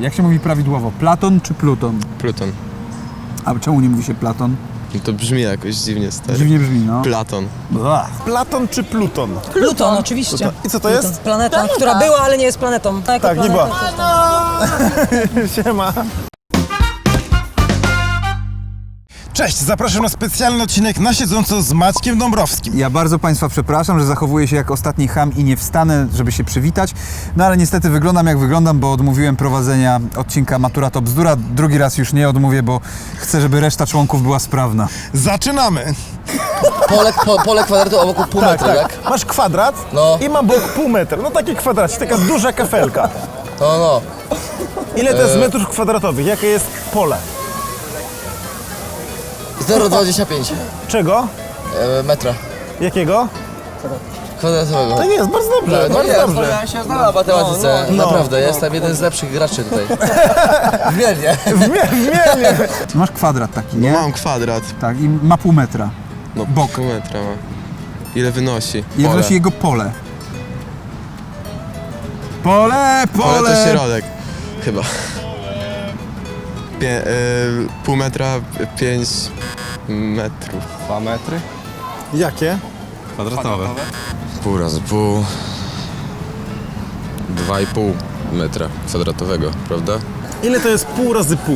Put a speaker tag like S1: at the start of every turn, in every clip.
S1: Jak się mówi prawidłowo? Platon czy Pluton?
S2: Pluton.
S1: A czemu nie mówi się Platon?
S2: No to brzmi jakoś dziwnie, stary.
S1: Dziwnie brzmi, no.
S2: Platon.
S3: Platon czy Pluton?
S4: Pluton, oczywiście.
S3: I co to jest?
S4: Planeta, która była, ale nie jest planetą.
S3: Tak, nie była. Siema. Cześć, zapraszam na specjalny odcinek Na siedząco z Maćkiem Dąbrowskim.
S1: Ja bardzo Państwa przepraszam, że zachowuję się jak ostatni cham i nie wstanę, żeby się przywitać. No ale niestety wyglądam jak wyglądam, bo odmówiłem prowadzenia odcinka Matura to bzdura. Drugi raz już nie odmówię, bo chcę, żeby reszta członków była sprawna.
S3: Zaczynamy!
S5: Pole kwadratu obok pół metra, tak?
S3: Masz kwadrat
S5: No.
S3: i ma bok pół metra. No taki kwadracik, taka duża kafelka.
S5: No.
S3: Ile to jest metrów kwadratowych? Jakie jest pole?
S5: 0,25
S3: Czego?
S5: metra
S3: Jakiego?
S5: kwadratowego.
S3: Tak jest, bardzo dobrze, bardzo dobrze.
S5: Ja się znam w matematyce, naprawdę, jestem jeden z lepszych graczy tutaj. Wmiernie.
S3: Zmiennie.
S1: Masz kwadrat taki,
S2: No
S1: nie?
S2: mam kwadrat.
S1: Tak, i ma pół metra.
S2: No
S1: Bok.
S2: pół metra ma. Ile wynosi?
S1: I
S2: Pole.
S1: wnosi jego pole. Pole!
S2: Pole to środek. Chyba. Pół metra, 5 metrów.
S6: 2 metry
S3: Jakie?
S6: kwadratowe.
S7: Pół razy pół. 2,5 metra kwadratowego, prawda?
S3: Ile to jest pół razy pół?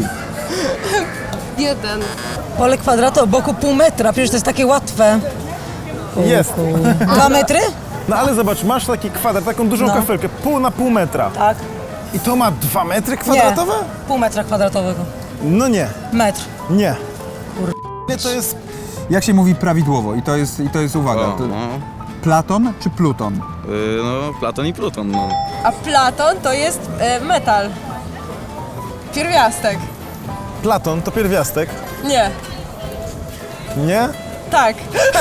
S8: 1.
S4: Pole kwadratu o boku pół metra, przecież to jest takie łatwe.
S3: Jest.
S4: 2 metry?
S3: No ale zobacz, masz taki kwadrat, taką dużą
S4: No.
S3: kafelkę, pół na pół metra.
S4: Tak.
S3: I to ma 2 metry kwadratowe?
S4: Pół metra kwadratowego.
S3: No nie,
S4: Metr.
S3: nie. Ile to jest?
S1: Jak się mówi prawidłowo? I to jest uwaga.
S6: O,
S1: To
S6: no.
S1: Platon czy Pluton?
S6: No, Platon i Pluton, no.
S8: A Platon to jest metal. Pierwiastek.
S3: Platon to pierwiastek?
S8: Nie.
S3: Nie?
S8: Tak.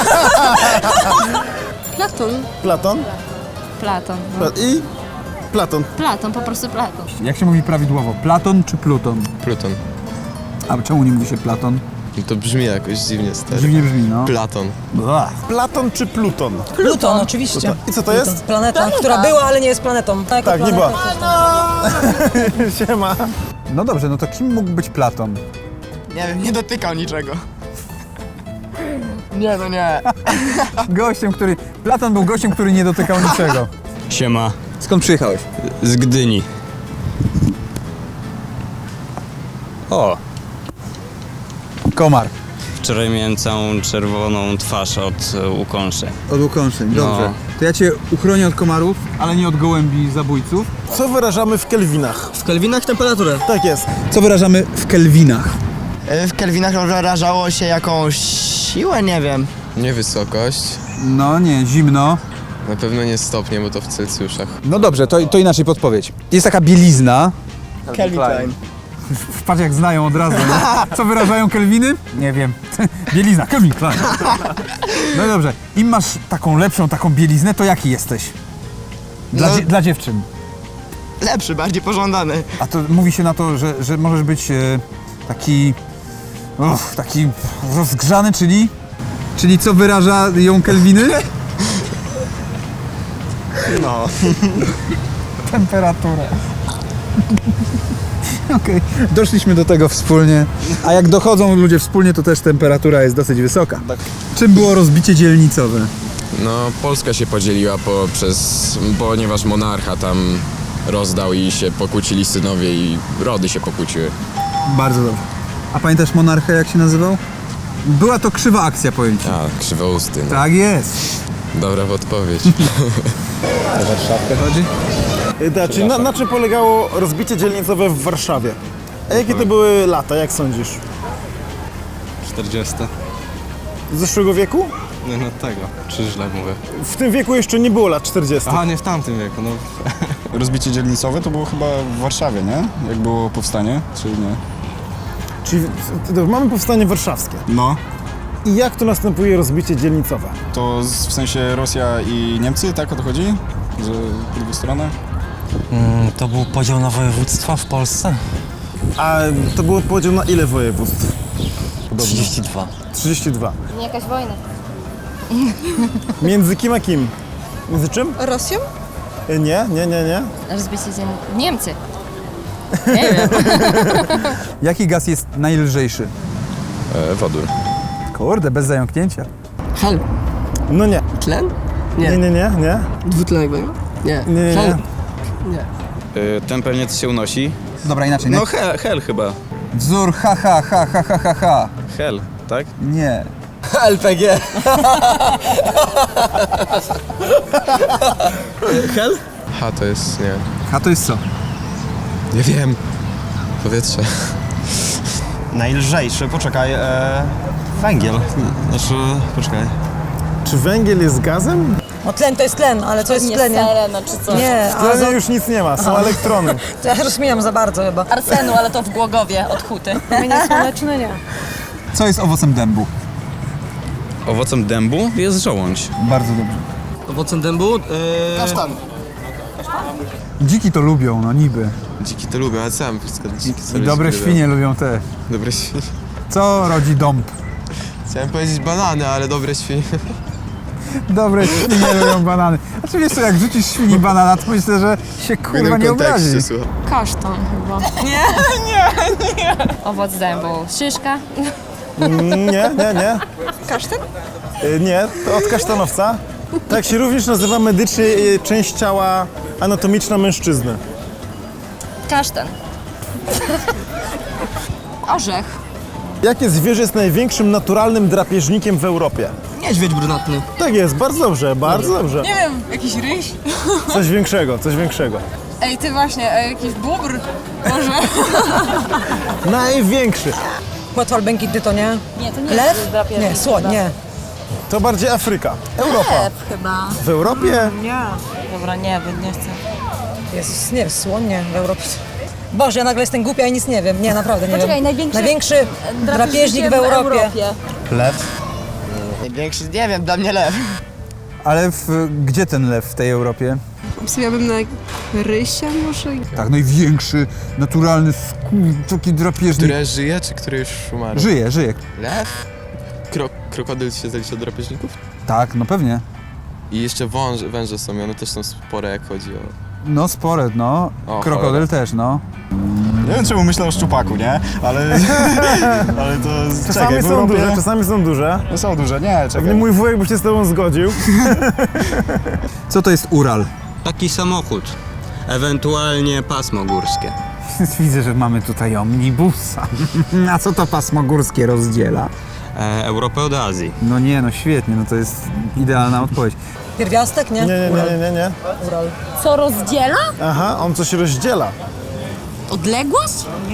S9: Platon.
S3: Platon?
S9: Platon.
S3: I? Platon.
S9: Platon, po prostu Platon.
S1: Jak się mówi prawidłowo? Platon czy Pluton?
S2: Pluton.
S1: A czemu nie mówi się Platon?
S2: No to brzmi jakoś dziwnie, stary.
S1: Dziwnie brzmi, no.
S2: Platon.
S3: Platon czy Pluton?
S4: Pluton, oczywiście.
S3: I co to jest?
S4: Planeta, która była, ale nie jest planetą.
S3: Tak, nie była. Siema.
S1: No dobrze, no to kim mógł być Platon?
S5: Nie wiem, nie dotykał niczego. Nie, no nie.
S1: Platon był gościem, który nie dotykał niczego.
S6: Siema.
S1: Skąd przyjechałeś?
S6: Z Gdyni. O,
S1: Komar.
S6: wczoraj miałem całą czerwoną twarz od ukąszeń.
S1: Od ukąszeń,
S6: No.
S1: dobrze. To ja cię uchronię od komarów, ale nie od gołębi zabójców.
S3: Co wyrażamy w kelwinach?
S5: W kelwinach temperaturę.
S3: Tak jest.
S1: Co wyrażamy w kelwinach?
S5: W kelwinach wyrażało się jakąś siłę, nie wiem.
S2: Nie wysokość.
S1: No nie, zimno.
S2: Na pewno nie stopnie, bo to w Celsjuszach.
S1: No dobrze, to inaczej podpowiedź. Jest taka bielizna.
S5: Calvin Klein.
S1: Patrz jak znają od razu. Nie? Co wyrażają kelwiny? Nie wiem. Bielizna, Calvin Klein. No dobrze, im masz taką lepszą, taką bieliznę, to jaki jesteś? Dla dziewczyn.
S5: Lepszy, bardziej pożądany.
S1: A to mówi się na to, że możesz być taki rozgrzany, czyli co wyraża ją kelwiny?
S6: No.
S1: Temperaturę. Okej, doszliśmy do tego wspólnie. A jak dochodzą ludzie wspólnie, to też temperatura jest dosyć wysoka. Czym było rozbicie dzielnicowe?
S7: No, Polska się podzieliła ponieważ monarcha tam rozdał i się pokłócili synowie i rody się pokłóciły.
S1: Bardzo dobrze. A pamiętasz monarchę, jak się nazywał? Była to krzywa akcja, powiem ci.
S7: A, krzywousty. No.
S1: Tak jest.
S7: Dobra odpowiedź.
S1: Warszawkę chodzi?
S3: Czyli na czym polegało rozbicie dzielnicowe w Warszawie? A jakie to były lata, jak sądzisz?
S6: 40.
S3: Z zeszłego wieku?
S6: Nie, no tego. Czy źle mówię?
S3: W tym wieku jeszcze nie było lat 40.
S6: Aha, nie w tamtym wieku, no.
S10: Rozbicie dzielnicowe to było chyba w Warszawie, nie? Jak było powstanie, czy nie?
S3: Czyli mamy powstanie warszawskie.
S10: No,
S3: I jak to następuje rozbicie dzielnicowe?
S10: to w sensie Rosja i Niemcy, tak o to chodzi? Że po drugą stronę?
S11: To był podział na województwa w Polsce?
S3: A to było podział na ile województw?
S11: 32.
S3: 32.
S9: Nie jakaś wojna.
S3: Między kim a kim? Między czym?
S8: Rosją?
S3: Nie.
S9: Rozbicie Niemcy.
S8: Nie wiem.
S1: Jaki gaz jest najlżejszy?
S7: Wodór.
S1: Kurde, bez zająknięcia.
S8: Hel.
S3: No nie.
S8: Tlen?
S3: Nie.
S8: Dwutlenek węgla? Nie.
S3: Nie.
S6: Ten pewnie się unosi.
S1: Dobra, inaczej.
S6: No hel chyba.
S1: Wzór ha.
S6: Hel, tak?
S1: Nie.
S5: LPG.
S2: H to jest, nie.
S1: A to jest co?
S2: Nie wiem. Powietrze.
S10: Najlżejszy, poczekaj, węgiel. Znaczy, poczekaj.
S3: Czy węgiel jest gazem?
S4: No tlen to jest tlen, ale co jest w tlenie?
S8: Seleno czy coś.
S4: Nie,
S3: W tlenie
S4: azot,
S3: już nic nie ma, są elektrony.
S4: to ja rozumiem za bardzo chyba.
S8: Arsenu, ale to w Głogowie, od huty.
S4: Promienie słoneczne nie.
S1: Co jest owocem dębu?
S6: Owocem dębu jest żołądź.
S1: Bardzo dobrze.
S5: Owocem dębu?
S3: Kasztan.
S1: Dziki to lubią, no niby.
S2: Dziki to lubię, ale sam wszystko dziki
S1: I
S2: sobie
S1: dobre
S2: lubią.
S1: świnie lubią te.
S2: Dobre świnie.
S1: Co rodzi dąb?
S2: Chciałem powiedzieć banany, ale dobre świnie.
S1: Dobre świnie lubią banany. Znaczy wiesz co, jak rzucisz świni banana, to myślę, że się
S2: W
S1: kurwa
S2: innym
S1: nie
S2: kontekście,
S1: obrazi.
S2: słuchaj.
S9: Kasztan chyba. Nie. Owoc dębu. Szyszka.
S3: Nie.
S8: Kasztan?
S3: Nie, to od kasztanowca. Tak się również nazywa medycznie część ciała anatomiczna mężczyzny.
S9: Kasztan. Orzech.
S3: Jakie zwierzę jest największym naturalnym drapieżnikiem w Europie?
S5: Niedźwiedź brunatny.
S3: Tak jest, bardzo dobrze, bardzo dobrze.
S8: Nie wiem, jakiś ryś?
S3: Coś większego.
S8: Ej, ty właśnie, jakiś bóbr? Może?
S3: Największy.
S4: Płetwal błękitny to nie?
S9: Nie, to nie
S4: Lew?
S9: drapieżnik
S4: Nie, słoń,
S9: chyba.
S4: nie.
S3: To bardziej Afryka. Europa.
S9: Chyba.
S3: W Europie?
S8: Dobra, nie wiem, nie chcę.
S4: Jezus, nie, słoń nie, w Europie. Boże, ja nagle jestem głupia i nic nie wiem. Nie, naprawdę nie
S9: Poczekaj,
S4: wiem.
S9: największy
S4: Drapieżnik w Europie.
S10: Lew.
S5: Największy, nie wiem, dla mnie lew.
S1: Ale gdzie ten lew w tej Europie?
S8: Obstawiałabym na rysia może?
S1: Tak, największy, naturalny, taki drapieżnik.
S2: Które żyje, czy które już umarło?
S1: Żyje.
S2: Lew? Krokodyl się zalicza do drapieżników?
S1: Tak, no pewnie.
S2: I jeszcze węże są, i one też są spore, jak chodzi o...
S1: No spore, no.
S2: O,
S1: Krokodyl
S2: cholera.
S1: też, no.
S10: Nie wiem, czemu myślę o szczupaku, nie? Ale to...
S3: Czasami są duże, czasami są duże.
S10: No są duże, nie,
S3: Pewnie
S10: czekaj.
S3: mój wujek by się z tobą zgodził.
S1: Co to jest Ural?
S6: Taki samochód. Ewentualnie pasmo górskie.
S1: Widzę, że mamy tutaj omnibusa. A co to pasmo górskie rozdziela?
S6: Europę od Azji.
S1: No nie, no świetnie, no to jest idealna odpowiedź.
S4: Pierwiastek, nie?
S3: Nie.
S4: Ural.
S9: Co rozdziela?
S3: Aha, on coś rozdziela.
S9: Odległość?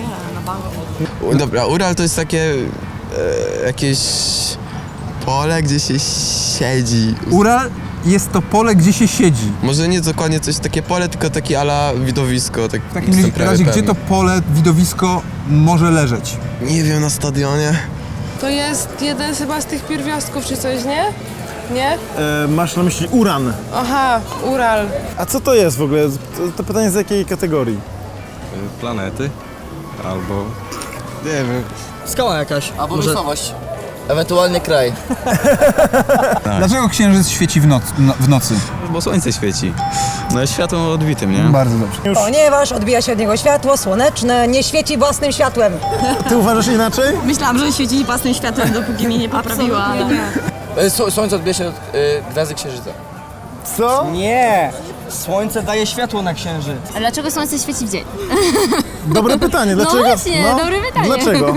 S2: Dobra, Ural to jest takie... jakieś... pole, gdzie się siedzi.
S1: Ural jest to pole, gdzie się siedzi.
S2: Może nie dokładnie coś takie pole, tylko takie ala widowisko. Tak,
S1: W takim razie, gdzie to pole, widowisko może leżeć?
S2: Nie wiem, na stadionie.
S8: To jest jeden chyba z tych pierwiastków czy coś, nie? Nie?
S3: Masz na myśli uran.
S8: Aha, Ural.
S3: A co to jest w ogóle? To pytanie z jakiej kategorii?
S6: Planety. Albo...
S2: Nie wiem.
S5: Skała jakaś. Albo miejscowość. Ewentualnie kraj.
S1: Dlaczego księżyc świeci w nocy?
S6: Bo słońce świeci. No jest światłem odbitym, nie?
S1: Bardzo dobrze.
S4: Ponieważ odbija się od niego światło słoneczne, nie świeci własnym światłem.
S3: Ty uważasz inaczej?
S9: Myślałam, że świeci własnym światłem, dopóki mnie nie poprawiła.
S5: Słońce odbija się od gwiazdy księżyca.
S3: Co?
S5: Nie! Słońce daje światło na księżyc.
S9: A dlaczego słońce świeci w dzień?
S3: Dobre pytanie, dlaczego?
S9: No właśnie, dobre pytanie.
S3: Dlaczego?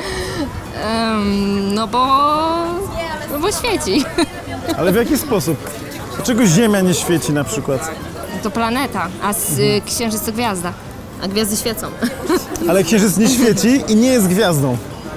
S9: No bo świeci.
S3: Ale w jaki sposób? Dlaczego Ziemia nie świeci na przykład?
S9: To planeta, a księżyc to gwiazda. A gwiazdy świecą.
S3: Ale Księżyc nie świeci i nie jest gwiazdą.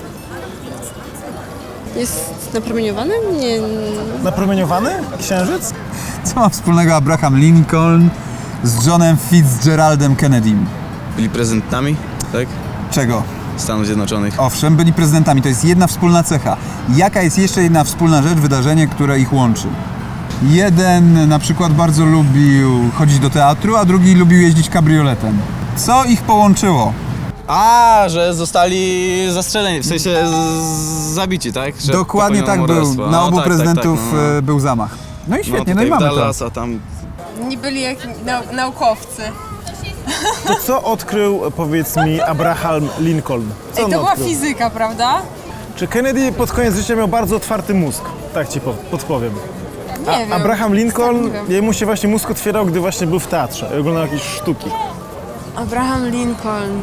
S8: Jest napromieniowany? Nie.
S3: Napromieniowany Księżyc?
S1: Co ma wspólnego Abraham Lincoln z Johnem Fitzgeraldem Kennedym?
S6: Byli prezydentami, tak?
S1: Czego?
S6: Stanów Zjednoczonych.
S1: Owszem, byli prezydentami. To jest jedna wspólna cecha. Jaka jest jeszcze jedna wspólna rzecz, wydarzenie, które ich łączy? Jeden na przykład bardzo lubił chodzić do teatru, a drugi lubił jeździć kabrioletem. Co ich połączyło?
S6: A, że zostali zastrzeleni, w sensie zabici, tak? Że
S1: Dokładnie tak
S6: popełniono
S1: był.
S6: morderstwo.
S1: Na
S6: No,
S1: obu
S6: tak,
S1: prezydentów
S6: tak, no.
S1: był zamach. No i świetnie, no,
S6: tutaj
S1: i mamy
S6: w Dallas,
S1: to.
S6: a tam...
S8: Nie byli jak naukowcy.
S3: To co odkrył, powiedz mi, Abraham Lincoln? Co on odkrył?
S8: fizyka, prawda?
S3: Czy Kennedy pod koniec życia miał bardzo otwarty mózg? Tak ci podpowiem.
S8: Nie wiem.
S3: Abraham Lincoln,
S8: Nie wiem.
S3: jemu się właśnie mózg otwierał, gdy właśnie był w teatrze i oglądał jakieś sztuki.
S8: Abraham Lincoln.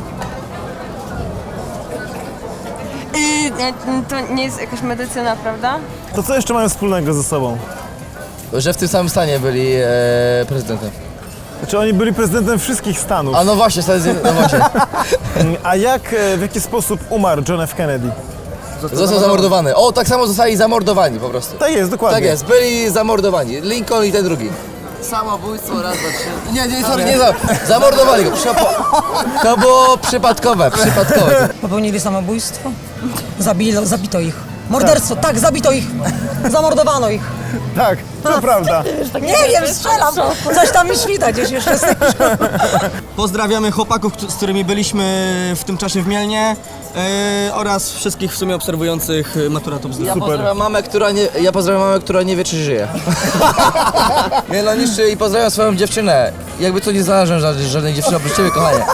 S8: To nie jest jakaś medycyna, prawda?
S3: To co jeszcze mają wspólnego ze sobą?
S5: Że w tym samym stanie byli prezydentem.
S3: Znaczy oni byli prezydentem wszystkich Stanów.
S5: A no właśnie, no właśnie.
S3: A w jaki sposób umarł John F. Kennedy?
S5: Został zamordowany. O, tak samo zostali zamordowani po prostu.
S3: Tak jest, dokładnie.
S5: Tak jest, byli zamordowani. Lincoln i ten drugi. Samobójstwo, raz, dwa, trzy. Nie, sorry, nie zamordowali go. To było przypadkowe.
S4: Popełnili samobójstwo? Zabito ich. Morderstwo, tak, zabito ich. Zamordowano ich.
S3: Tak, to prawda.
S4: Nie wiem, strzelam. Coś tam mi świta gdzieś jeszcze.
S6: Pozdrawiamy chłopaków, z którymi byliśmy w tym czasie w Mielnie oraz wszystkich w sumie obserwujących Matura Top Zdrój.
S5: Ja pozdrawiam mamę, która nie wie, czy żyje. Nie no, niszczy i pozdrawiam swoją dziewczynę. Jakby to nie znalazłem żadnej dziewczyny oprócz ciebie, kochanie.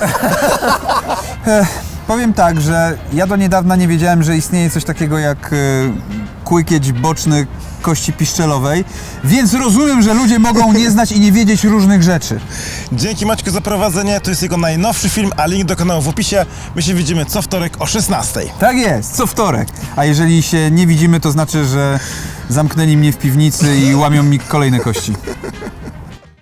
S1: Powiem tak, że ja do niedawna nie wiedziałem, że istnieje coś takiego jak kłykieć boczny kości piszczelowej, więc rozumiem, że ludzie mogą nie znać i nie wiedzieć różnych rzeczy.
S3: Dzięki Maćku za prowadzenie, to jest jego najnowszy film, a link do kanału w opisie. My się widzimy co wtorek o 16:00.
S1: Tak jest, co wtorek. A jeżeli się nie widzimy, to znaczy, że zamknęli mnie w piwnicy i łamią mi kolejne kości.